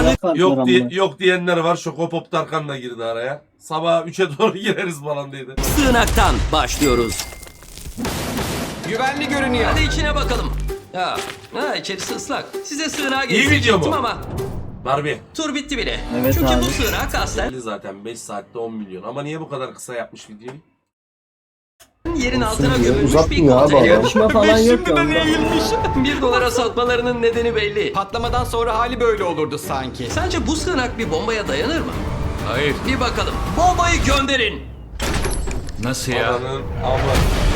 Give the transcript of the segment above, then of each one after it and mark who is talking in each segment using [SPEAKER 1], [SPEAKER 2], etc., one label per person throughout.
[SPEAKER 1] sığınak
[SPEAKER 2] Yok diye,
[SPEAKER 3] amına.
[SPEAKER 2] yok diyenler var. Şokopop Tarkan da girdi araya. Sabah 3'e doğru gireriz falan dedi.
[SPEAKER 1] sığınaktan başlıyoruz.
[SPEAKER 4] Güvenli görünüyor.
[SPEAKER 1] Hadi içine bakalım. İçerisi ıslak. Size sığınağı
[SPEAKER 2] İyi video
[SPEAKER 1] gezdirecektim
[SPEAKER 2] mu?
[SPEAKER 1] ama
[SPEAKER 2] Barbie.
[SPEAKER 1] tur bitti bile.
[SPEAKER 3] Evet
[SPEAKER 1] Çünkü
[SPEAKER 3] abi.
[SPEAKER 1] bu sığınak aslen
[SPEAKER 2] Belli zaten 5 saatte 10 milyon. Ama niye bu kadar kısa yapmış videoyu?
[SPEAKER 1] yerin altına
[SPEAKER 3] diyor,
[SPEAKER 1] gömülmüş bir
[SPEAKER 3] uzatmıyor abi
[SPEAKER 1] konteyner.
[SPEAKER 3] adam. Yarışma falan yok ya
[SPEAKER 4] Şimdiden
[SPEAKER 3] onda.
[SPEAKER 4] eğilmiş.
[SPEAKER 1] 1 dolara satmalarının nedeni belli.
[SPEAKER 4] Patlamadan sonra hali böyle olurdu sanki.
[SPEAKER 1] Sence bu sığınak bir bombaya dayanır mı?
[SPEAKER 4] Hayır.
[SPEAKER 1] Bir bakalım. Bombayı gönderin.
[SPEAKER 4] Nasıl
[SPEAKER 2] Ananın ama.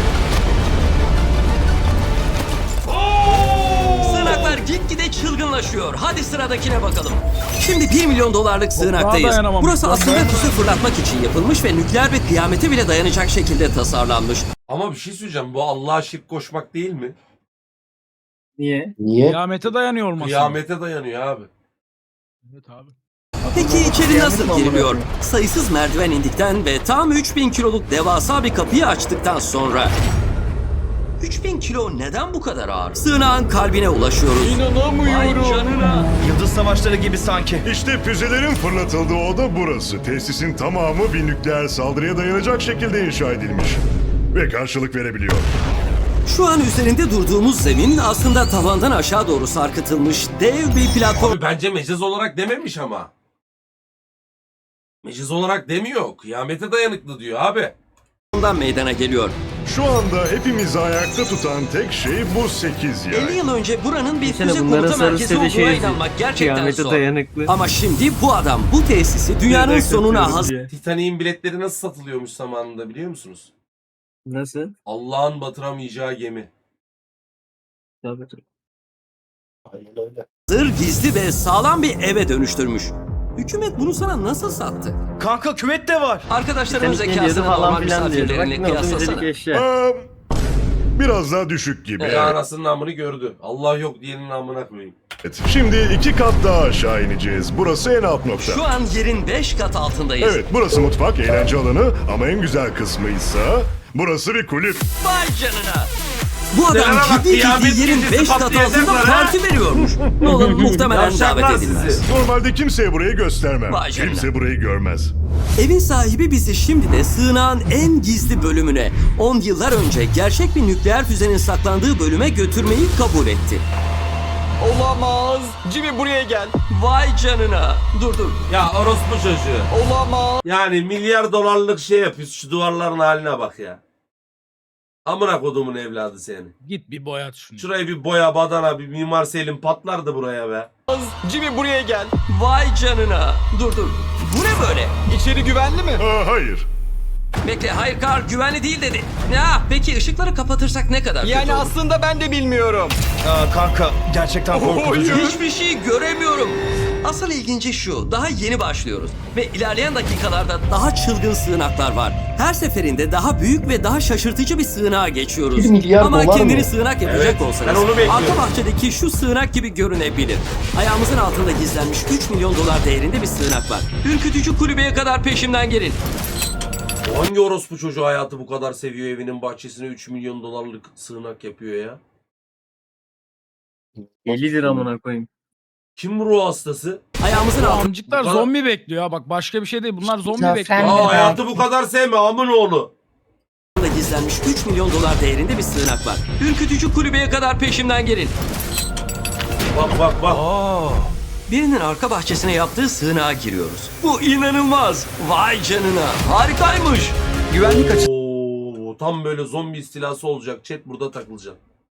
[SPEAKER 1] Sığınaklar gitgide çılgınlaşıyor. Hadi sıradakine bakalım. Şimdi 1 milyon dolarlık sığınaktayız.
[SPEAKER 5] dayanamam.
[SPEAKER 1] Burası aslında füze fırlatmak için yapılmış ve nükleer bir kıyamete bile dayanacak şekilde tasarlanmış.
[SPEAKER 2] Ama bir şey söyleyeceğim. Bu Allah'a şirk koşmak değil mi?
[SPEAKER 3] Niye? Niye?
[SPEAKER 5] Kıyamete dayanıyor olması.
[SPEAKER 2] Kıyamete dayanıyor abi.
[SPEAKER 5] Evet abi.
[SPEAKER 1] Peki içeri
[SPEAKER 3] Kıyamet
[SPEAKER 1] nasıl
[SPEAKER 3] mi amına
[SPEAKER 1] giriliyor?
[SPEAKER 3] koyayım?
[SPEAKER 1] Sayısız merdiven indikten ve tam 3000 kiloluk devasa bir kapıyı açtıktan sonra 3000 kilo neden bu kadar ağır? Sığınağın kalbine ulaşıyoruz. Vay
[SPEAKER 4] İnanamıyorum.
[SPEAKER 1] canına.
[SPEAKER 4] Yıldız savaşları gibi sanki.
[SPEAKER 6] İşte füzelerin fırlatıldığı oda burası. Tesisin tamamı bir nükleer saldırıya dayanacak şekilde inşa edilmiş. Ve karşılık verebiliyor.
[SPEAKER 1] Şu an üzerinde durduğumuz zemin aslında tavandan aşağı doğru sarkıtılmış dev bir platform.
[SPEAKER 2] Abi bence mecaz olarak dememiş ama. Mecaz olarak demiyor. Kıyamete dayanıklı diyor abi.
[SPEAKER 1] Ondan meydana geliyor.
[SPEAKER 6] Şu anda hepimizi ayakta tutan tek şey bu 8 yay.
[SPEAKER 1] 50 yıl önce buranın bir
[SPEAKER 3] Sene
[SPEAKER 1] füze
[SPEAKER 3] bunların
[SPEAKER 1] komuta merkezi
[SPEAKER 3] sarısı
[SPEAKER 1] olduğuna
[SPEAKER 3] şey
[SPEAKER 1] inanmak gerçekten
[SPEAKER 3] kıyamete
[SPEAKER 1] zor.
[SPEAKER 3] dayanıklı.
[SPEAKER 1] Ama şimdi bu adam bu tesisi dünyanın sonuna hazır.
[SPEAKER 2] Titanic'in biletleri nasıl satılıyormuş zamanında biliyor musunuz?
[SPEAKER 3] Nasıl?
[SPEAKER 2] Allah'ın batıramayacağı gemi.
[SPEAKER 3] Tabii.
[SPEAKER 1] Gizli ve sağlam bir eve dönüştürmüş. Hükümet bunu sana nasıl sattı?
[SPEAKER 4] Kanka küvet de var.
[SPEAKER 1] Arkadaşların
[SPEAKER 3] Titanik ne diyordu
[SPEAKER 1] zekasını
[SPEAKER 3] falan
[SPEAKER 1] normal
[SPEAKER 3] filan diyordu. Bak
[SPEAKER 1] misafirlerinle
[SPEAKER 3] ne oldu
[SPEAKER 1] kıyaslasana.
[SPEAKER 3] müzelik eşya.
[SPEAKER 6] Biraz daha düşük gibi.
[SPEAKER 2] Ya anasının namını gördü. Allah yok diyenin namına koyayım.
[SPEAKER 6] Evet. Şimdi 2 kat daha aşağı ineceğiz. Burası en alt nokta.
[SPEAKER 1] Şu an yerin 5 kat altındayız.
[SPEAKER 6] Evet, burası mutfak, eğlence alanı ama en güzel kısmıysa burası bir kulüp.
[SPEAKER 1] Vay canına. Bu adam
[SPEAKER 2] Nelere bak,
[SPEAKER 1] ciddi
[SPEAKER 2] kıyamet
[SPEAKER 1] ciddi yerin
[SPEAKER 2] gecesi
[SPEAKER 1] 5 kat
[SPEAKER 2] patlayacaklar
[SPEAKER 1] altında
[SPEAKER 2] ha.
[SPEAKER 1] parti veriyormuş. Nolan muhtemelen
[SPEAKER 2] Yavşaklar
[SPEAKER 1] davet edilmez.
[SPEAKER 2] sizi.
[SPEAKER 6] Normalde kimseye burayı göstermem.
[SPEAKER 1] Vay canına.
[SPEAKER 6] Kimse burayı görmez.
[SPEAKER 1] Evin sahibi bizi şimdi de sığınağın en gizli bölümüne 10 yıllar önce gerçek bir nükleer füzenin saklandığı bölüme götürmeyi kabul etti.
[SPEAKER 4] Olamaz. Jimmy buraya gel.
[SPEAKER 1] Vay canına. Dur.
[SPEAKER 2] Ya orospu çocuğu.
[SPEAKER 4] Olamaz.
[SPEAKER 2] Yani milyar dolarlık şey yapıyorsun. Şu duvarların haline bak ya. Amına kodumun evladı seni.
[SPEAKER 5] Git bir boyat şunu.
[SPEAKER 2] Şurayı bir boya badana bir Mimar Selim patlardı buraya be.
[SPEAKER 4] Jimmy buraya gel.
[SPEAKER 1] Vay canına. Dur. Bu ne böyle?
[SPEAKER 4] İçeri güvenli mi?
[SPEAKER 6] Hayır.
[SPEAKER 1] Bekle, hayır Karl, güvenli değil dedi. Ya peki ışıkları kapatırsak ne kadar kötü
[SPEAKER 4] Yani
[SPEAKER 1] olur?
[SPEAKER 4] aslında ben de bilmiyorum. Kanka gerçekten korkutucu.
[SPEAKER 1] Hiçbir şey göremiyorum. Asıl ilginci şu, daha yeni başlıyoruz. Ve ilerleyen dakikalarda daha çılgın sığınaklar var. Her seferinde daha büyük ve daha şaşırtıcı bir sığınağa geçiyoruz.
[SPEAKER 3] 1 milyar
[SPEAKER 1] Ama
[SPEAKER 3] dolar
[SPEAKER 1] kendini
[SPEAKER 3] mı?
[SPEAKER 1] sığınak yapacak
[SPEAKER 2] Evet,
[SPEAKER 1] olsanız,
[SPEAKER 2] ben onu bekliyorum.
[SPEAKER 1] arka bahçedeki şu sığınak gibi görünebilir. Ayağımızın altında gizlenmiş 3 milyon dolar değerinde bir sığınak var. Ürkütücü kulübeye kadar peşimden gelin.
[SPEAKER 2] Hangi orospu çocuğu hayatı bu kadar seviyor, evinin bahçesine 3 milyon dolarlık sığınak yapıyor ya?
[SPEAKER 3] 50 lira amına koyayım.
[SPEAKER 2] Kim bu ruh hastası?
[SPEAKER 1] Ayağımızın altında
[SPEAKER 5] Amcıklar zombi bekliyor ha, bak başka bir şey değil, bunlar zombi
[SPEAKER 7] Zafer
[SPEAKER 5] bekliyor.
[SPEAKER 7] mi?
[SPEAKER 2] Aa, hayatı bu kadar sevme amın oğlu.
[SPEAKER 1] gizlenmiş 3 milyon dolar değerinde bir sığınak var. Ürkütücü kulübeye kadar peşimden gelin.
[SPEAKER 2] Bak.
[SPEAKER 1] Birinin arka bahçesine yaptığı sığınağa giriyoruz. Bu inanılmaz. Vay canına. Harikaymış.
[SPEAKER 4] Güvenlik
[SPEAKER 2] Oo, tam böyle zombi istilası olacak. Chat burada takılacak.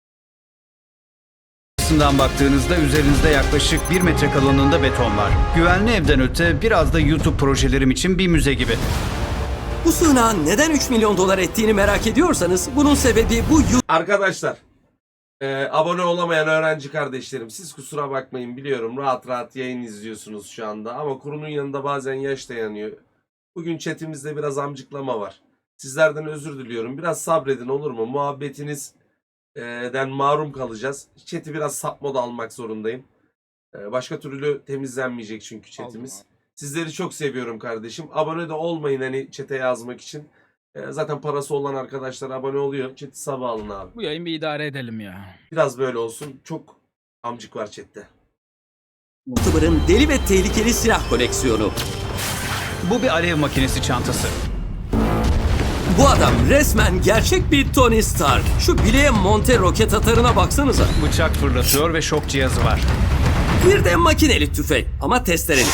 [SPEAKER 8] Açısından baktığınızda üzerinizde yaklaşık 1 metre kalınlığında beton var. Güvenli evden öte biraz da YouTube projelerim için bir müze gibi.
[SPEAKER 1] Bu sığınağın neden 3 milyon dolar ettiğini merak ediyorsanız bunun sebebi bu
[SPEAKER 2] Arkadaşlar, abone olamayan öğrenci kardeşlerim, siz kusura bakmayın, biliyorum rahat rahat yayın izliyorsunuz şu anda ama kurunun yanında bazen yaş dayanıyor. Bugün chatimizde biraz amcıklama var. Sizlerden özür diliyorum. Biraz sabredin, olur mu? Muhabbetinizden mahrum kalacağız. Chat'i biraz sap moda almak zorundayım. Başka türlü temizlenmeyecek çünkü chatimiz. Sizleri çok seviyorum kardeşim. Abone de olmayın hani chat'e yazmak için. Zaten parası olan arkadaşlar abone oluyor. Chat'i sabah alın abi.
[SPEAKER 5] Bu yayın bir idare edelim ya.
[SPEAKER 2] Biraz böyle olsun. Çok amcık var chatte.
[SPEAKER 1] YouTuber'ın deli ve tehlikeli silah koleksiyonu.
[SPEAKER 8] Bu bir alev makinesi çantası.
[SPEAKER 1] Bu adam resmen gerçek bir Tony Stark. Şu bileğe monte roket atarına baksanıza.
[SPEAKER 8] Bıçak fırlatıyor ve şok cihazı var.
[SPEAKER 1] Bir de makineli tüfek ama testereli.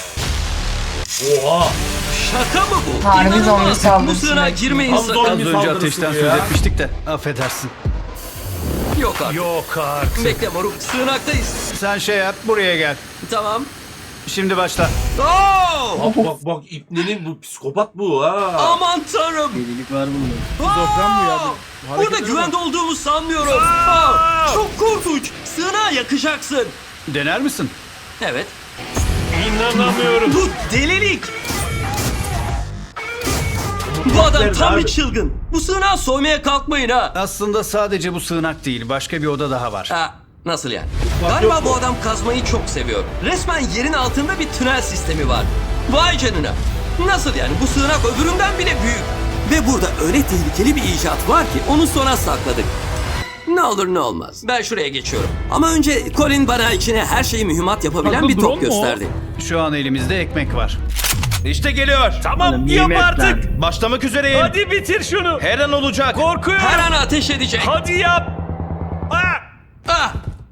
[SPEAKER 2] Oha.
[SPEAKER 1] Şaka mı bu?
[SPEAKER 7] Harbi
[SPEAKER 1] İnanılmaz.
[SPEAKER 7] zombi saldırısı
[SPEAKER 1] Bu sığınağa
[SPEAKER 7] belki.
[SPEAKER 1] girmeyin
[SPEAKER 2] Tam
[SPEAKER 1] sakın.
[SPEAKER 8] Az
[SPEAKER 2] zombi
[SPEAKER 8] önce
[SPEAKER 2] saldırısı
[SPEAKER 8] ateşten
[SPEAKER 2] bu
[SPEAKER 8] söz
[SPEAKER 2] ya.
[SPEAKER 8] etmiştik de affedersin.
[SPEAKER 1] Yok artık.
[SPEAKER 4] Yok artık.
[SPEAKER 1] Bekle moruk, sığınaktayız.
[SPEAKER 8] Sen şey yap, buraya gel.
[SPEAKER 1] Tamam.
[SPEAKER 8] Şimdi başla.
[SPEAKER 1] Oo!
[SPEAKER 2] Bak İbnenin bu psikopat bu ha.
[SPEAKER 1] Aman tanrım.
[SPEAKER 3] Delilik var bunda.
[SPEAKER 5] Şizofren bu ya. Bu
[SPEAKER 1] Burada
[SPEAKER 5] hareketlere
[SPEAKER 1] güvende olduğumu sanmıyorum. Aa, çok korkunç. Sığınağa yakacaksın.
[SPEAKER 8] Dener misin?
[SPEAKER 1] Evet.
[SPEAKER 4] İnanamıyorum.
[SPEAKER 1] Bu delilik. Bu adam tam bir çılgın. Bu sığınağı soymaya kalkmayın ha.
[SPEAKER 8] Aslında sadece bu sığınak değil, başka bir oda daha var.
[SPEAKER 1] Ha, nasıl yani? Galiba bu adam kazmayı çok seviyor. Resmen yerin altında bir tünel sistemi var. Vay canına. Nasıl yani? Bu sığınak öbüründen bile büyük. Ve burada öyle tehlikeli bir icat var ki onu sona sakladık. Ne olur ne olmaz. Ben şuraya geçiyorum. Ama önce Colin bana içine her şeyi mühimmat yapabilen
[SPEAKER 5] Akıl
[SPEAKER 1] bir
[SPEAKER 5] drone
[SPEAKER 1] top
[SPEAKER 5] mu o?
[SPEAKER 1] gösterdi.
[SPEAKER 8] Şu an elimizde ekmek var.
[SPEAKER 4] İşte geliyor. Tamam
[SPEAKER 3] Oğlum,
[SPEAKER 4] yap
[SPEAKER 3] nimetler.
[SPEAKER 4] artık. Başlamak üzereyim. Hadi bitir şunu. Her an olacak. Korkuyorum.
[SPEAKER 1] Her an ateş edecek.
[SPEAKER 4] Hadi yap.
[SPEAKER 1] Ah!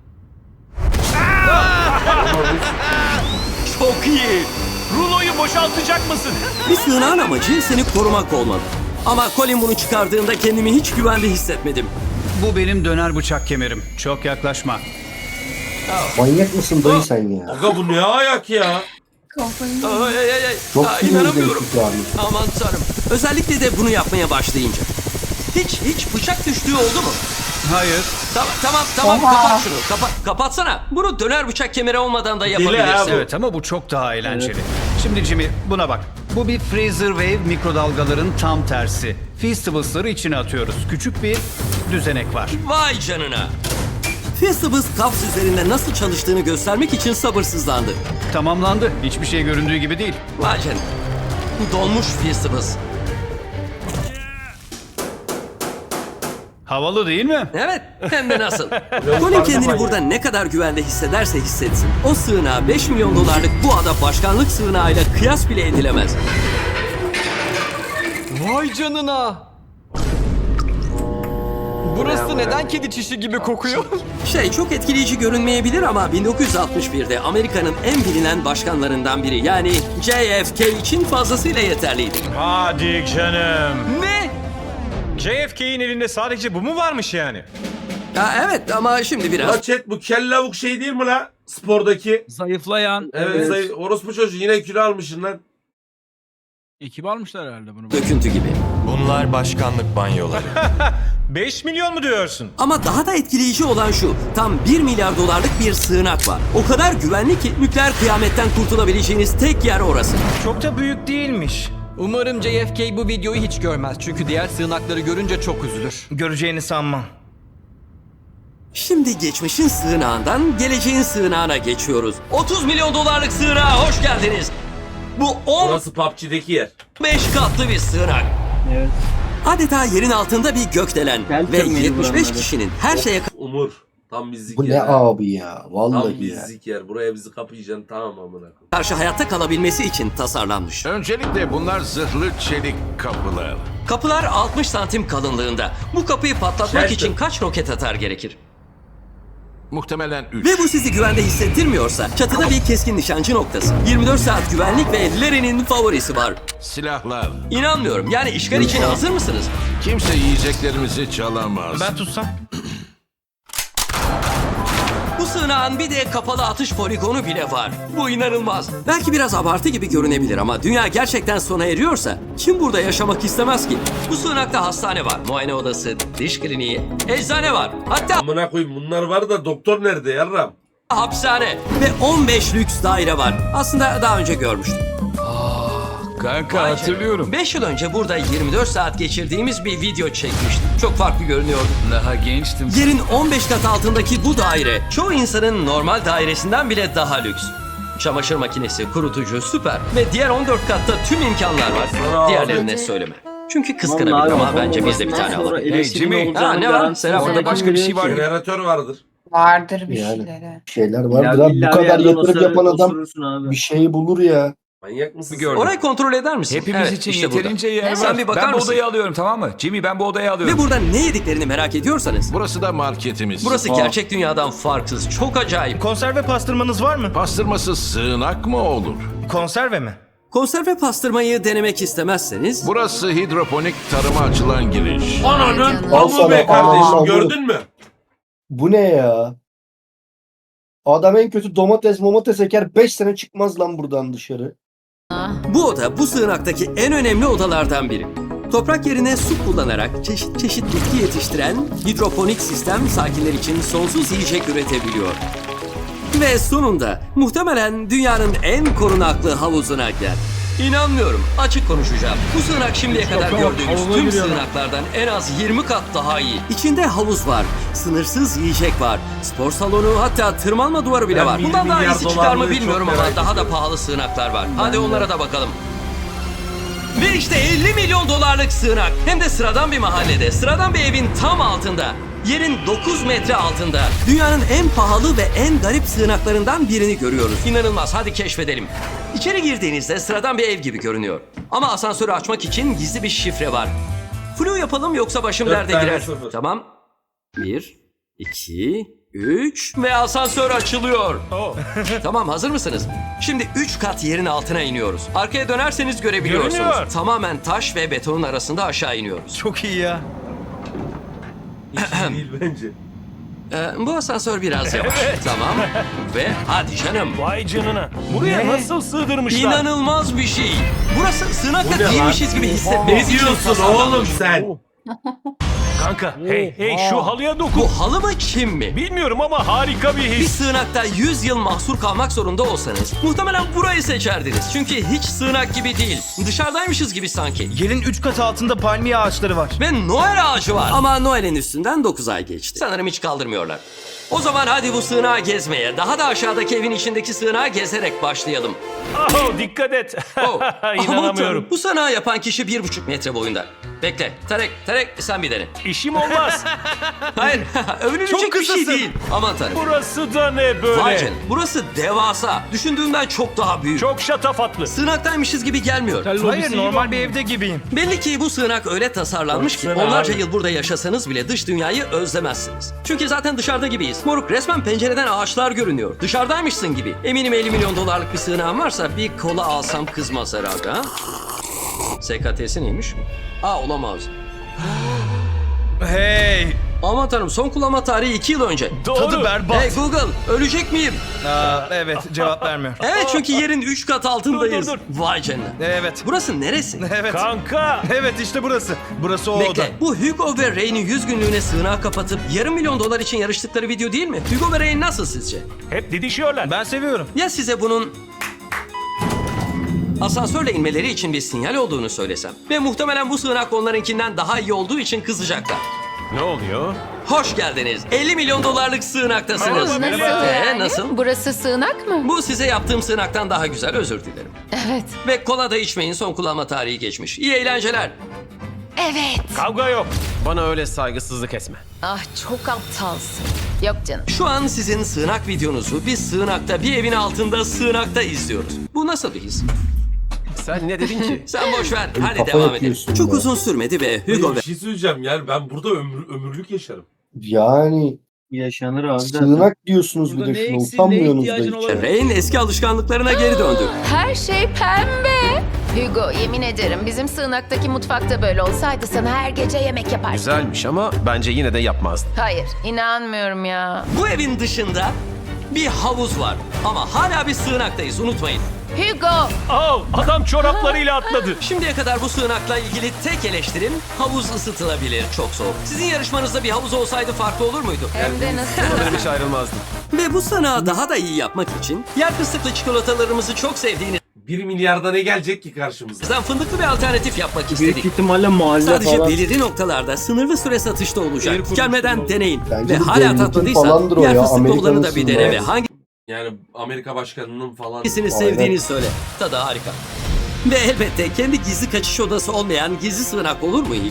[SPEAKER 1] Çok iyi.
[SPEAKER 4] Ruloyu boşaltacak mısın?
[SPEAKER 1] Bir sığınağın amacı seni korumak olmalı. Ama Colin bunu çıkardığında kendimi hiç güvende hissetmedim.
[SPEAKER 8] Bu benim döner bıçak kemerim. Çok yaklaşma.
[SPEAKER 9] Manyak mısın dayı sen ya?
[SPEAKER 2] Aga bu ne ayak ya?
[SPEAKER 7] Kafayı
[SPEAKER 1] Ay, ay, ay, ay.
[SPEAKER 9] Çok
[SPEAKER 1] Aa,
[SPEAKER 9] sinirli
[SPEAKER 1] inanamıyorum.
[SPEAKER 9] değişik yani.
[SPEAKER 1] Aman tanrım. Özellikle de bunu yapmaya başlayınca. Hiç bıçak düştüğü oldu mu?
[SPEAKER 8] Hayır.
[SPEAKER 1] Tamam
[SPEAKER 7] Oha.
[SPEAKER 1] kapat şunu. Kapatsana. Bunu döner bıçak kemeri olmadan da yapabilirsin.
[SPEAKER 2] abi.
[SPEAKER 8] Evet ama bu çok daha eğlenceli. Şimdi Jimmy buna bak. Bu bir freezer wave mikrodalgaların tam tersi. Feastables'ları içine atıyoruz. Küçük bir düzenek var.
[SPEAKER 1] Vay canına. Feastables Cups üzerinde nasıl çalıştığını göstermek için sabırsızlandı.
[SPEAKER 8] Tamamlandı. Hiçbir şey göründüğü gibi değil.
[SPEAKER 1] Vay canına. Donmuş Feastables.
[SPEAKER 8] Havalı değil mi?
[SPEAKER 1] Evet, hem de nasıl. Colin kendini burada ne kadar güvende hissederse hissetsin. O sığınağa 5 milyon dolarlık bu ada başkanlık sığınağıyla kıyas bile edilemez.
[SPEAKER 10] Vay canına. Burası neden kedi çişi gibi kokuyor?
[SPEAKER 1] Çok etkileyici görünmeyebilir ama 1961'de Amerika'nın en bilinen başkanlarından biri yani JFK için fazlasıyla yeterliydi.
[SPEAKER 4] Hadi canım.
[SPEAKER 10] Ne?
[SPEAKER 4] JFK'in elinde sadece bu mu varmış yani?
[SPEAKER 1] Evet ama şimdi biraz
[SPEAKER 2] La chat bu kellavuk şey değil mi la? Spordaki.
[SPEAKER 5] Zayıflayan.
[SPEAKER 2] Evet. Orospu çocuğu yine kilo almışsın lan.
[SPEAKER 5] Ekip almışlar herhalde bunu.
[SPEAKER 1] döküntü gibi.
[SPEAKER 10] Bunlar başkanlık banyoları.
[SPEAKER 4] 5 milyon mu diyorsun?
[SPEAKER 1] Ama daha da etkileyici olan şu, tam 1 milyar dolarlık bir sığınak var. O kadar güvenli ki nükleer kıyametten kurtulabileceğiniz tek yer orası.
[SPEAKER 4] Çok da büyük değilmiş.
[SPEAKER 10] Umarım JFK bu videoyu hiç görmez. Çünkü diğer sığınakları görünce çok üzülür.
[SPEAKER 4] Göreceğini sanmam.
[SPEAKER 1] Şimdi geçmişin sığınağından geleceğin sığınağına geçiyoruz. 30 milyon dolarlık sığınağa hoş geldiniz. Bu
[SPEAKER 2] Burası PUBG'deki yer.
[SPEAKER 1] 15 katlı bir sığınak.
[SPEAKER 3] Evet.
[SPEAKER 1] Adeta yerin altında bir gökdelen
[SPEAKER 3] Gel
[SPEAKER 1] ve
[SPEAKER 3] tırmanın
[SPEAKER 1] 75
[SPEAKER 3] buranları.
[SPEAKER 1] kişinin her şeye
[SPEAKER 2] Umur. Tam bizlik
[SPEAKER 9] Bu
[SPEAKER 2] yer.
[SPEAKER 9] ne
[SPEAKER 2] ha.
[SPEAKER 9] abi ya?
[SPEAKER 2] Tam
[SPEAKER 9] Vallahi ya.
[SPEAKER 2] bizlik yer. Buraya bizi kapayacaksın tamam amına koyayım.
[SPEAKER 1] karşı hayatta kalabilmesi için tasarlanmış.
[SPEAKER 11] Öncelikle bunlar zırhlı çelik kapılar.
[SPEAKER 1] Kapılar 60 santim kalınlığında. Bu kapıyı patlatmak
[SPEAKER 2] Shelter.
[SPEAKER 1] için kaç roket atar gerekir?
[SPEAKER 11] Muhtemelen 3.
[SPEAKER 1] Ve bu sizi güvende hissettirmiyorsa çatıda bir keskin nişancı noktası. 24 saat güvenlik ve Larry'nin favorisi var.
[SPEAKER 11] Silahlar.
[SPEAKER 1] İnanmıyorum. Yani işgal için hazır mısınız?
[SPEAKER 11] Kimse yiyeceklerimizi çalamaz.
[SPEAKER 4] Ben tutsam.
[SPEAKER 1] Bu sığınağın bir de kapalı atış poligonu bile var. Bu inanılmaz. Belki biraz abartı gibi görünebilir ama dünya gerçekten sona eriyorsa kim burada yaşamak istemez ki? Bu sığınakta hastane var, muayene odası, diş kliniği, eczane var. Hatta
[SPEAKER 2] Amına koyayım bunlar var da doktor nerede yarram?
[SPEAKER 1] hapishane ve 15 lüks daire var. Aslında daha önce görmüştüm.
[SPEAKER 11] Kanka hatırlıyorum.
[SPEAKER 1] 5 yıl önce burada 24 saat geçirdiğimiz bir video çekmiştim. Çok farklı görünüyordu.
[SPEAKER 11] Daha gençtim.
[SPEAKER 1] Yerin 15 kat altındaki bu daire çoğu insanın normal dairesinden bile daha lüks. Çamaşır makinesi, kurutucu süper ve diğer 14 katta tüm imkanlar var. Diğerlerine söyleme. Çünkü kıskanabilir
[SPEAKER 3] Vallahi
[SPEAKER 1] ama
[SPEAKER 3] babam
[SPEAKER 1] bence biz de bir
[SPEAKER 3] babasından
[SPEAKER 1] tane
[SPEAKER 3] sonra
[SPEAKER 1] alalım.
[SPEAKER 3] eleştirinin
[SPEAKER 11] Jimmy.
[SPEAKER 3] olacağının
[SPEAKER 1] Ha, ne var?
[SPEAKER 3] garantisi
[SPEAKER 1] Selam.
[SPEAKER 3] yok.
[SPEAKER 11] Orada başka bir şey var.
[SPEAKER 2] Jeneratör vardır.
[SPEAKER 7] Vardır bir
[SPEAKER 9] Yani.
[SPEAKER 7] şeyleri.
[SPEAKER 9] Bir şeyler vardır abi. Bu kadar yatırım yapan adam
[SPEAKER 3] abi.
[SPEAKER 9] bir şeyi bulur ya.
[SPEAKER 2] Manyak mısın?
[SPEAKER 11] Gördüm.
[SPEAKER 1] Orayı kontrol eder misin?
[SPEAKER 11] Hepimiz
[SPEAKER 1] Evet,
[SPEAKER 11] için
[SPEAKER 1] işte burada.
[SPEAKER 11] yeterince yer var.
[SPEAKER 1] Sen bir bakar
[SPEAKER 11] ben bu
[SPEAKER 1] mısın?
[SPEAKER 11] odayı alıyorum, tamam mı? Jimmy, ben bu odayı alıyorum.
[SPEAKER 1] Ve burada ne yediklerini merak ediyorsanız,
[SPEAKER 11] Burası da marketimiz.
[SPEAKER 1] burası gerçek dünyadan farksız. Çok acayip.
[SPEAKER 4] Konserve pastırmanız var mı?
[SPEAKER 11] Pastırması sığınak mı olur?
[SPEAKER 4] Konserve mi?
[SPEAKER 1] Konserve pastırmayı denemek istemezseniz
[SPEAKER 11] Burası hidroponik tarıma açılan giriş.
[SPEAKER 2] Ananın
[SPEAKER 9] Al sana,
[SPEAKER 2] amı be kardeşim,
[SPEAKER 9] al,
[SPEAKER 2] gördün mü?
[SPEAKER 9] Bu ne ya? Adam en kötü domates eker 5 sene çıkmaz lan buradan dışarı.
[SPEAKER 1] bu oda bu sığınaktaki en önemli odalardan biri. Toprak yerine su kullanarak çeşit çeşit bitki yetiştiren hidroponik sistem sakinler için sonsuz yiyecek üretebiliyor. Ve sonunda muhtemelen dünyanın en korunaklı havuzuna gel. İnanmıyorum. Açık konuşacağım. Bu sığınak şimdiye kadar gördüğümüz tüm sığınaklardan en az 20 kat daha iyi. İçinde havuz var, sınırsız yiyecek var, spor salonu, hatta tırmanma duvarı bile
[SPEAKER 2] Ben
[SPEAKER 1] var.
[SPEAKER 2] 1
[SPEAKER 1] Bundan daha
[SPEAKER 2] milyar
[SPEAKER 1] iyisi çıkar mı
[SPEAKER 2] dolarlığı
[SPEAKER 1] bilmiyorum
[SPEAKER 2] çok
[SPEAKER 1] ama
[SPEAKER 2] merak
[SPEAKER 1] daha da pahalı sığınaklar var. Hadi onlara da bakalım. Ve işte 50 milyon dolarlık sığınak. Hem de sıradan bir mahallede, sıradan bir evin tam altında. Yerin 9 metre altında. Dünyanın en pahalı ve en garip sığınaklarından birini görüyoruz. İnanılmaz, hadi keşfedelim. İçeri girdiğinizde sıradan bir ev gibi görünüyor. Ama asansörü açmak için gizli bir şifre var. Flu yapalım yoksa başım
[SPEAKER 2] 4
[SPEAKER 1] derde
[SPEAKER 2] tane
[SPEAKER 1] girer.
[SPEAKER 2] 0.
[SPEAKER 1] Tamam. 1, 2, 3 ve asansör açılıyor. Tamam, hazır mısınız? Şimdi 3 kat yerin altına iniyoruz. Arkaya dönerseniz görebiliyorsunuz.
[SPEAKER 4] Görünüyor.
[SPEAKER 1] Tamamen taş ve betonun arasında aşağı iniyoruz.
[SPEAKER 4] Çok iyi ya.
[SPEAKER 2] Hiç değil bence.
[SPEAKER 1] Bu asansör biraz yavaş. Tamam. Ve hadi canım.
[SPEAKER 4] Vay canına. Buraya nasıl sığdırmışlar?
[SPEAKER 1] İnanılmaz bir şey. Burası
[SPEAKER 2] Bu
[SPEAKER 1] sığınakta
[SPEAKER 2] ne lan?
[SPEAKER 1] değilmişiz gibi
[SPEAKER 2] Ne
[SPEAKER 1] hissetmeniz için
[SPEAKER 2] diyorsun
[SPEAKER 1] tasarlanmış.
[SPEAKER 2] oğlum sen?
[SPEAKER 4] Kanka hey şu halıya dokun.
[SPEAKER 1] Bu halı mı kim mi?
[SPEAKER 4] Bilmiyorum ama harika bir
[SPEAKER 1] Bir
[SPEAKER 4] his.
[SPEAKER 1] sığınakta 100 yıl mahsur kalmak zorunda olsanız muhtemelen burayı seçerdiniz. Çünkü hiç sığınak gibi değil. Dışarıdaymışız gibi sanki.
[SPEAKER 4] Yerin 3 kat altında palmiye ağaçları var.
[SPEAKER 1] Ve Noel ağacı var. Ama Noel'in üstünden 9 ay geçti. Sanırım hiç kaldırmıyorlar. O zaman hadi bu sığınağı gezmeye, daha da aşağıdaki evin içindeki sığınağı gezerek başlayalım.
[SPEAKER 4] Oh, dikkat et.
[SPEAKER 1] Oh, aman
[SPEAKER 4] İnanamıyorum.
[SPEAKER 1] tanrım. Bu sığınağı yapan kişi 1,5 metre boyunda. Bekle. Tarek sen bir dene.
[SPEAKER 4] İşim olmaz.
[SPEAKER 1] Hayır, övünülecek
[SPEAKER 4] Çok
[SPEAKER 1] bir şey
[SPEAKER 4] kısasın.
[SPEAKER 1] değil. Aman tanrım.
[SPEAKER 4] Burası da ne böyle?
[SPEAKER 1] Vay canına, burası devasa. Düşündüğümden çok daha büyük.
[SPEAKER 4] Çok şatafatlı.
[SPEAKER 1] Sığınaktaymışız gibi gelmiyor.
[SPEAKER 4] Hayır normal bir evde gibiyim.
[SPEAKER 1] Belli ki bu sığınak öyle tasarlanmış ki
[SPEAKER 2] Baksana
[SPEAKER 1] onlarca
[SPEAKER 2] abi.
[SPEAKER 1] yıl burada yaşasanız bile dış dünyayı özlemezsiniz. Çünkü zaten dışarıda gibiyiz. Moruk, resmen pencereden ağaçlar görünüyor. Dışarıdaymışsın gibi. Eminim 50 milyon dolarlık bir sığınağın varsa bir kola alsam kızmaz herhalde ha? SKT'si neymiş? Olamaz.
[SPEAKER 4] Hey.
[SPEAKER 1] Aman tanrım, son kullanma tarihi 2 yıl önce.
[SPEAKER 4] Tadı berbat.
[SPEAKER 1] Hey Google, ölecek miyim?
[SPEAKER 4] Evet cevap vermiyor.
[SPEAKER 1] Evet, çünkü yerin 3 kat altındayız.
[SPEAKER 4] Dur.
[SPEAKER 1] Vay canına.
[SPEAKER 4] Evet.
[SPEAKER 1] Burası neresi?
[SPEAKER 4] Evet. Kanka. Evet işte burası. Burası o oda.
[SPEAKER 1] Bekle, bu Hugo ve Ray'nin 100 günlüğüne sığınağı kapatıp yarım milyon dolar için yarıştıkları video değil mi? Hugo ve Ray nasıl sizce?
[SPEAKER 4] Hep didişiyorlar. Ben seviyorum.
[SPEAKER 1] Ya size bunun asansörle inmeleri için bir sinyal olduğunu söylesem? Ve muhtemelen bu sığınak onlarınkinden daha iyi olduğu için kızacaklar.
[SPEAKER 4] Ne oluyor?
[SPEAKER 1] Hoş geldiniz. 50 milyon dolarlık sığınaktasınız. Nasıl?
[SPEAKER 7] Burası sığınak mı?
[SPEAKER 1] Bu size yaptığım sığınaktan daha güzel, özür dilerim.
[SPEAKER 7] Evet.
[SPEAKER 1] Ve kola da içmeyin, son kullanma tarihi geçmiş. İyi eğlenceler.
[SPEAKER 7] Evet.
[SPEAKER 4] Kavga yok.
[SPEAKER 10] Bana öyle saygısızlık etme.
[SPEAKER 7] Ah çok aptalsın. Yok canım.
[SPEAKER 1] Şu an sizin sığınak videonuzu bir sığınakta, bir evin altında sığınakta izliyoruz. Bu nasıl bir his?
[SPEAKER 10] Sen ne dedin ki?
[SPEAKER 1] Sen boş ver. Hadi
[SPEAKER 9] kafa
[SPEAKER 1] devam edelim.
[SPEAKER 9] yapıyorsun
[SPEAKER 1] Çok
[SPEAKER 9] ya.
[SPEAKER 1] uzun sürmedi ve Hugo
[SPEAKER 2] Bir şey söyleyeceğim, yani ben burada ömürlük yaşarım.
[SPEAKER 9] Yani
[SPEAKER 3] Yaşanır abi.
[SPEAKER 9] sığınak diyorsunuz bir de şuna utanmıyorsunuz da hiç.
[SPEAKER 1] ve Ray'in eski alışkanlıklarına geri döndü.
[SPEAKER 7] Her şey pembe. Hugo yemin ederim bizim sığınaktaki mutfakta böyle olsaydı sana her gece yemek yapardım.
[SPEAKER 10] Güzelmiş ama bence yine de yapmazdım.
[SPEAKER 7] Hayır inanmıyorum ya.
[SPEAKER 1] Bu evin dışında bir havuz var. Ama hala bir sığınaktayız, unutmayın.
[SPEAKER 7] Hugo.
[SPEAKER 4] Oh, adam çoraplarıyla atladı.
[SPEAKER 1] Şimdiye kadar bu sığınakla ilgili tek eleştirim havuz ısıtılabilir, çok soğuk. Sizin yarışmanızda bir havuz olsaydı farklı olur muydu?
[SPEAKER 7] Hem de nasıl?
[SPEAKER 10] Sanırım hiç ayrılmazdım.
[SPEAKER 1] Ve bu sığınağı daha da iyi yapmak için yer fıstıklı çikolatalarımızı çok sevdiğinizden
[SPEAKER 2] 1 milyarda ne gelecek ki karşımıza?
[SPEAKER 1] fındıklı bir alternatif yapmak
[SPEAKER 3] Büyük
[SPEAKER 1] istedik.
[SPEAKER 3] ihtimalle mahalle
[SPEAKER 1] Sadece
[SPEAKER 3] falan.
[SPEAKER 1] belirli noktalarda sınırlı süre satışta olacak. Gelmeden deneyin.
[SPEAKER 9] Bence
[SPEAKER 1] Ve
[SPEAKER 9] bu
[SPEAKER 1] hala
[SPEAKER 9] devletin
[SPEAKER 1] tatmadıysan
[SPEAKER 9] falandır o
[SPEAKER 1] yer
[SPEAKER 9] ya,
[SPEAKER 1] fıstıklı olanı
[SPEAKER 9] Amerika'nın
[SPEAKER 1] da bir dene ve
[SPEAKER 9] sınırı.
[SPEAKER 2] Yani Amerika başkanının falan...
[SPEAKER 1] hangisini
[SPEAKER 9] Aynen.
[SPEAKER 1] sevdiğini söyle. Tadı harika. Ve elbette kendi gizli kaçış odası olmayan gizli sığınak olur mu hiç?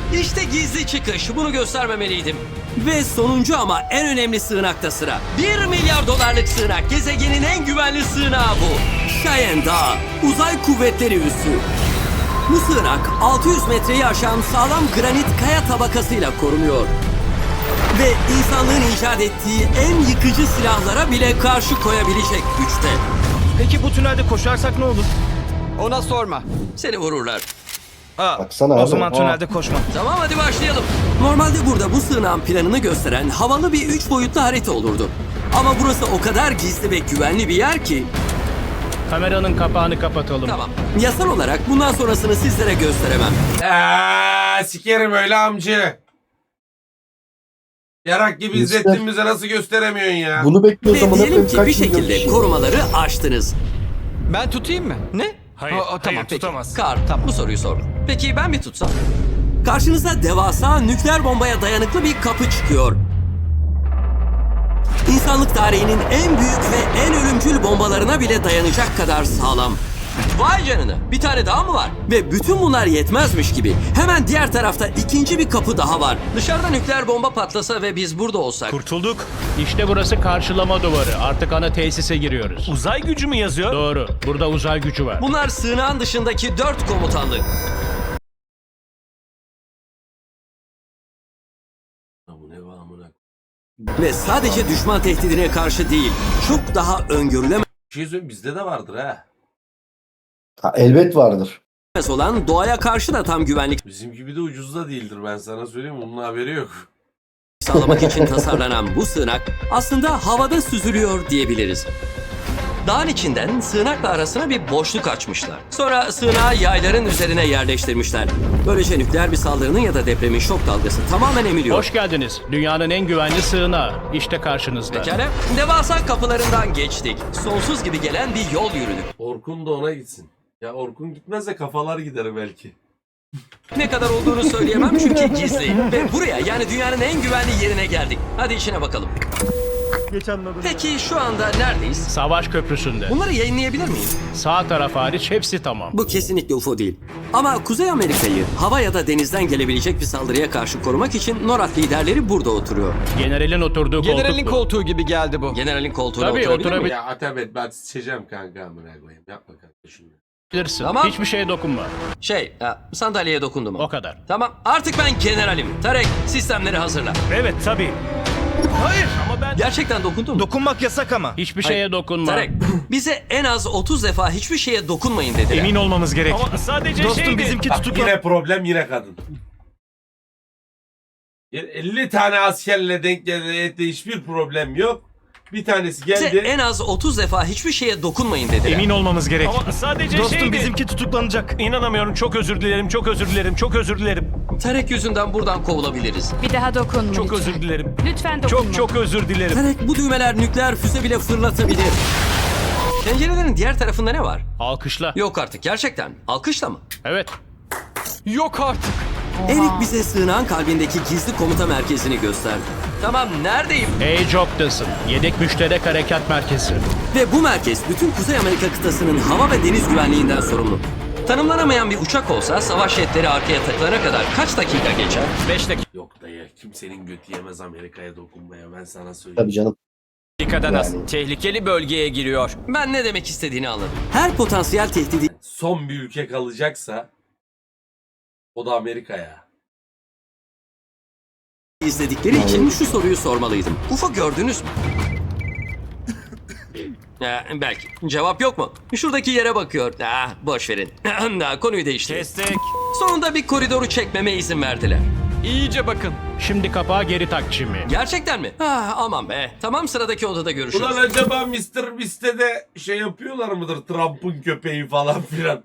[SPEAKER 1] İşte gizli çıkış. Bunu göstermemeliydim. Ve sonuncu ama en önemli sığınakta sıra. 1 milyar dolarlık sığınak. Gezegenin en güvenli sığınağı bu. Cheyenne Dağı. Uzay kuvvetleri üssü. Bu sığınak 600 metreyi aşan sağlam granit kaya tabakasıyla korunuyor. Ve insanlığın icat ettiği en yıkıcı silahlara bile karşı koyabilecek güçte.
[SPEAKER 4] Peki bu tünelde koşarsak ne olur?
[SPEAKER 10] Ona sorma.
[SPEAKER 1] Seni vururlar.
[SPEAKER 9] Baksana
[SPEAKER 4] O
[SPEAKER 9] abi.
[SPEAKER 4] zaman tünelde koşma.
[SPEAKER 1] Tamam hadi başlayalım. Normalde burada bu sığınağın planını gösteren havalı bir 3 boyutlu harita olurdu. Ama burası o kadar gizli ve güvenli bir yer ki...
[SPEAKER 5] Kameranın kapağını kapatalım.
[SPEAKER 1] Tamam. Yasal olarak bundan sonrasını sizlere gösteremem.
[SPEAKER 2] Sikerim öyle amcı. Yarak gibi
[SPEAKER 9] Göster.
[SPEAKER 2] izlettiğimize nasıl gösteremiyorsun ya?
[SPEAKER 9] Bunu bekliyor
[SPEAKER 1] Ve
[SPEAKER 9] zaman
[SPEAKER 1] diyelim ki
[SPEAKER 9] kaç
[SPEAKER 1] bir
[SPEAKER 9] milyon
[SPEAKER 1] şekilde
[SPEAKER 9] kişi.
[SPEAKER 1] korumaları aştınız.
[SPEAKER 10] Ben tutayım mı? Ne?
[SPEAKER 4] Hayır,
[SPEAKER 10] Tamam, peki.
[SPEAKER 4] tutamaz.
[SPEAKER 1] Kar, bu soruyu sordum. Peki ben mi tutsam? Karşınıza devasa nükleer bombaya dayanıklı bir kapı çıkıyor. İnsanlık tarihinin en büyük ve en ölümcül bombalarına bile dayanacak kadar sağlam. Vay canına, bir tane daha mı var? Ve bütün bunlar yetmezmiş gibi hemen diğer tarafta ikinci bir kapı daha var. Dışarıda nükleer bomba patlasa ve biz burada olsak.
[SPEAKER 5] Kurtulduk. İşte burası karşılama duvarı. Artık ana tesise giriyoruz.
[SPEAKER 4] Uzay gücü mü yazıyor?
[SPEAKER 5] Doğru. Burada uzay gücü var.
[SPEAKER 1] Bunlar sığınağın dışındaki 4 komutanlık. Ve sadece düşman tehdidine karşı değil, çok daha öngörülemez
[SPEAKER 2] Bir şey söyleyeyim, bizde de vardır ha.
[SPEAKER 9] Ha, elbet vardır.
[SPEAKER 1] olan doğaya karşı da tam güvenlik
[SPEAKER 2] Bizim gibi de ucuz da değildir, ben sana söyleyeyim, onun haberi yok.
[SPEAKER 1] sağlamak için tasarlanan bu sığınak aslında havada süzülüyor diyebiliriz. Dağın içinden sığınakla arasına bir boşluk açmışlar. Sonra sığınağı yayların üzerine yerleştirmişler. Böylece nükleer bir saldırının ya da depremin şok dalgası tamamen emiliyor.
[SPEAKER 5] Hoş geldiniz. Dünyanın en güvenli sığınağı. İşte karşınızda.
[SPEAKER 1] Pekala, devasa kapılarından geçtik. Sonsuz gibi gelen bir yol yürüdük.
[SPEAKER 2] Orkun da ona gitsin. Ya Orkun gitmez de kafalar gider belki.
[SPEAKER 1] Ne kadar olduğunu söyleyemem çünkü gizli. Ve buraya, yani dünyanın en güvenli yerine geldik. Hadi içine bakalım. Peki şu anda neredeyiz?
[SPEAKER 5] Savaş köprüsünde.
[SPEAKER 1] Bunları yayınlayabilir miyim?
[SPEAKER 5] Sağ taraf hariç hepsi tamam.
[SPEAKER 1] Bu kesinlikle UFO değil. Ama Kuzey Amerika'yı hava ya da denizden gelebilecek bir saldırıya karşı korumak için NORAD liderleri burada oturuyor.
[SPEAKER 5] Generalin oturduğu
[SPEAKER 10] Generalin
[SPEAKER 5] koltuk bu.
[SPEAKER 10] koltuğu gibi geldi bu.
[SPEAKER 1] Generalin koltuğuna
[SPEAKER 5] Tabii,
[SPEAKER 1] oturabilir
[SPEAKER 5] oturabilir.
[SPEAKER 1] miyim?
[SPEAKER 2] Ya Atabet, ben sıçacağım kanka, amına koyayım. Yapma kardeşim.
[SPEAKER 5] Bilirsin.
[SPEAKER 1] Tamam.
[SPEAKER 5] Hiçbir şeye dokunma.
[SPEAKER 1] Sandalyeye dokundum.
[SPEAKER 5] O kadar.
[SPEAKER 1] Tamam, artık ben generalim. Tarek, sistemleri hazırla.
[SPEAKER 4] Evet tabii. Hayır ama ben...
[SPEAKER 1] Gerçekten dokundun mu?
[SPEAKER 4] Dokunmak yasak ama.
[SPEAKER 5] Hiçbir şeye dokunma.
[SPEAKER 1] Tarek, bize en az 30 defa hiçbir şeye dokunmayın dediler.
[SPEAKER 4] Emin olmamız gerek. Ama sadece dostum bizimki
[SPEAKER 2] Bak,
[SPEAKER 4] tutuklu.
[SPEAKER 2] yine problem, yine kadın. 50 tane askerle denk geldi, hiçbir problem yok. Bir tanesi
[SPEAKER 1] Bize
[SPEAKER 2] geldi.
[SPEAKER 1] en az 30 defa hiçbir şeye dokunmayın dediler.
[SPEAKER 4] Emin olmamız gerek. Ama sadece dostum bizimki tutuklanacak. İnanamıyorum. Çok özür dilerim. Çok özür dilerim. Çok özür dilerim.
[SPEAKER 1] Tarek yüzünden buradan kovulabiliriz.
[SPEAKER 7] Bir daha dokunma
[SPEAKER 4] Çok
[SPEAKER 7] lütfen.
[SPEAKER 4] özür dilerim.
[SPEAKER 7] Lütfen dokunma.
[SPEAKER 4] Çok çok özür dilerim.
[SPEAKER 1] Tarek, bu düğmeler nükleer füze bile fırlatabilir. Pencerelerin diğer tarafında ne var?
[SPEAKER 5] Alkışla.
[SPEAKER 1] Yok artık, gerçekten. Alkışla mı?
[SPEAKER 5] Evet.
[SPEAKER 10] Yok artık.
[SPEAKER 1] Erik bize sığınağın kalbindeki gizli komuta merkezini gösterdi. Tamam, neredeyim?
[SPEAKER 5] A-Job'dasın. Yedek müşterek harekat merkezi.
[SPEAKER 1] Ve bu merkez bütün Kuzey Amerika kıtasının hava ve deniz güvenliğinden sorumlu. Tanımlanamayan bir uçak olsa savaş jetleri arkaya takılana kadar kaç dakika geçer?
[SPEAKER 10] 5 dakika.
[SPEAKER 2] Yok dayı, kimsenin götü yemez Amerika'ya dokunmaya, ben sana söyleyeyim.
[SPEAKER 9] Tabii canım.
[SPEAKER 10] Dakikadan az.
[SPEAKER 9] Yani.
[SPEAKER 10] Tehlikeli bölgeye giriyor.
[SPEAKER 1] Ben ne demek istediğini anladım. Her potansiyel tehdidi
[SPEAKER 2] Son bir ülke kalacaksa o da Amerika'ya.
[SPEAKER 1] izledikleri için şu soruyu sormalıydım. UFO gördünüz mü? Belki. Cevap yok mu? Şuradaki yere bakıyor. Boş verin. Konuyu değiştirin.
[SPEAKER 4] Kestik.
[SPEAKER 1] Sonunda bir koridoru çekmeme izin verdiler.
[SPEAKER 10] İyice bakın.
[SPEAKER 5] Şimdi kapağı geri tak Jimmy.
[SPEAKER 1] Gerçekten mi? Aman be. Tamam, sıradaki odada görüşürüz.
[SPEAKER 2] Ulan acaba Mr. Beast'te şey yapıyorlar mıdır? Trump'ın köpeği falan filan.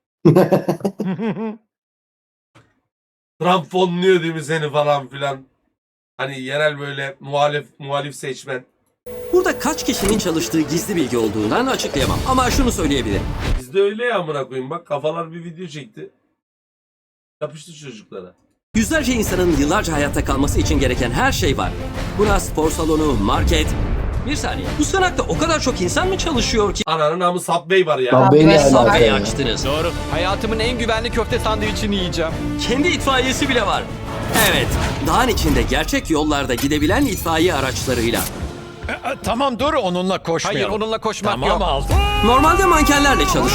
[SPEAKER 2] Trump fonluyor değil mi seni falan filan. Hani yerel böyle muhalif seçmen.
[SPEAKER 1] Burada kaç kişinin çalıştığı gizli bilgi olduğundan açıklayamam. Ama şunu söyleyebilirim.
[SPEAKER 2] Bizde öyle ya, amına koyayım, bak kafalar bir video çekti. Yapıştı çocuklara.
[SPEAKER 1] Yüzlerce insanın yıllarca hayatta kalması için gereken her şey var. Buna spor salonu, market, Bir saniye. Bu sığınakta o kadar çok insan mı çalışıyor ki
[SPEAKER 2] Ananın namı Subway var ya.
[SPEAKER 9] Subway ne alaka
[SPEAKER 1] Subway'i
[SPEAKER 9] ya?
[SPEAKER 1] açtınız?
[SPEAKER 10] Doğru. Hayatımın en güvenli köfte sandviçini yiyeceğim.
[SPEAKER 1] Kendi itfaiyesi bile var. Evet, dağın içinde gerçek yollarda gidebilen itfaiye araçlarıyla.
[SPEAKER 4] Tamam dur onunla koşmayalım.
[SPEAKER 10] Hayır onunla koşmak
[SPEAKER 4] Tamam
[SPEAKER 10] yok.
[SPEAKER 4] aldım.
[SPEAKER 1] Normalde mankenlerle çalışıyor.